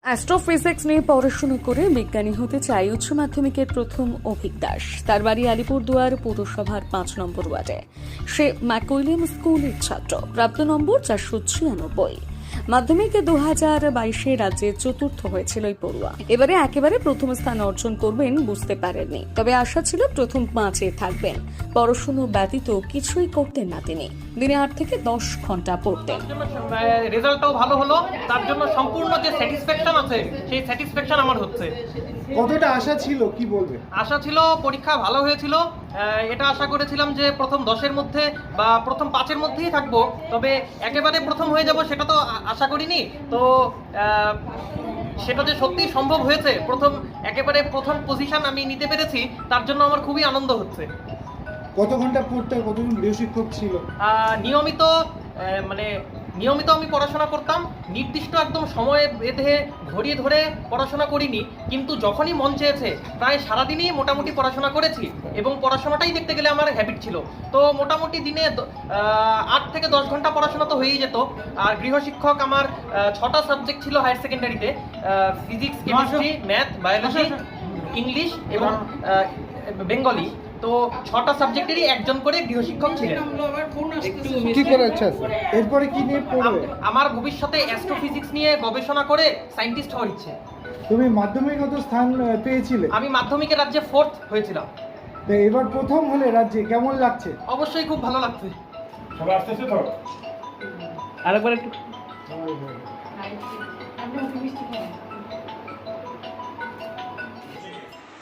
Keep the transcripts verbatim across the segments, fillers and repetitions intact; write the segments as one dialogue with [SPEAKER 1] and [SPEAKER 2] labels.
[SPEAKER 1] Astrophysics নিয়ে পড়াশোনা করে বিজ্ঞানী হতে চাই উচ্চ মাধ্যমিকের প্রথম অভিক দাস। তার বাড়ি আলিপুরদুয়ার পৌরসভার পাঁচ নম্বর ওয়ার্ডে। সে ম্যাকউইলিয়াম স্কুলের ছাত্র, প্রাপ্ত নম্বর চারশো ছিয়ানব্বই। মাধ্যমিকে দু হাজার বাইশে রাজ্যে চতুর্থ হয়েছিল এই পড়ুয়া। এবারে একেবারে প্রথম স্থান অর্জন করবেন বুঝতে পারেননি, তবে আশা ছিল প্রথম পাঁচে থাকবেন। পড়াশুনো ব্যতীত কিছুই করতেন না তিনি। দিনে আট থেকে দশ ঘন্টা পড়তেন।
[SPEAKER 2] রেজাল্টটাও ভালো হলো, তার জন্য সম্পূর্ণ যে স্যাটিসফ্যাকশন আছে সেই স্যাটিসফ্যাকশন আমার হচ্ছে।
[SPEAKER 3] কতটা আশা ছিল কি বলবে?
[SPEAKER 2] আশা ছিল পরীক্ষা ভালো হয়েছিল, এটা আশা করেছিলাম যে প্রথম দশের মধ্যে বা প্রথম পাঁচের মধ্যেই থাকবো, তবে একেবারে প্রথম হয়ে যাব সেটা তো আশা করিনি। তো সেটা যে সত্যি সম্ভব হয়েছে, প্রথম একেবারে প্রথম পজিশন আমি নিতে পেরেছি, তার জন্য আমার খুবই আনন্দ হচ্ছে।
[SPEAKER 3] কত ঘন্টা পড়তে, কতজন গৃহশিক্ষক ছিল?
[SPEAKER 2] নিয়মিত মানে নিয়মিত আমি পড়াশোনা করতাম, নির্দিষ্ট একদম সময়ে বেঁধে ঘড়িয়ে ধরে পড়াশোনা করিনি, কিন্তু যখনই মন চেয়েছে প্রায় সারাদিনই মোটামুটি পড়াশোনা করেছি এবং পড়াশোনাটাই দেখতে গেলে আমার হ্যাবিট ছিল। তো মোটামুটি দিনে আট থেকে দশ ঘন্টা পড়াশোনা তো হয়েই যেত। আর গৃহশিক্ষক আমার ছটা সাবজেক্ট ছিল হায়ার সেকেন্ডারিতে, physics, chemistry, math, biology, English এবং বেঙ্গলি। তো ছটা সাবজেক্টেরই একজন করে গৃহশিক্ষক ছিলেন।
[SPEAKER 3] কি করার ইচ্ছা আছে? এরপরে কি নিয়ে পড়বে?
[SPEAKER 2] আমার ভবিষ্যতে অ্যাস্ট্রোফিজিক্স নিয়ে গবেষণা করে সায়েন্টিস্ট হওয়ার ইচ্ছে।
[SPEAKER 3] তুমি মাধ্যমিকগত স্থান পেয়েছিলে?
[SPEAKER 2] আমি মাধ্যমিকের রাজ্যে ফোর্থ হয়েছিলাম।
[SPEAKER 3] তো এবার প্রথম হলে রাজ্যে, কেমন লাগছে?
[SPEAKER 2] অবশ্যই খুব ভালো লাগছে।
[SPEAKER 4] সবাই আসতেছে তো?
[SPEAKER 2] আরেকবার একটু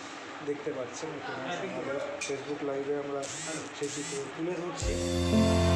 [SPEAKER 3] দেখতে পাচ্ছেন ফেসবুক লাইভে আমরা সেই চিত্র তুলে ধরছি।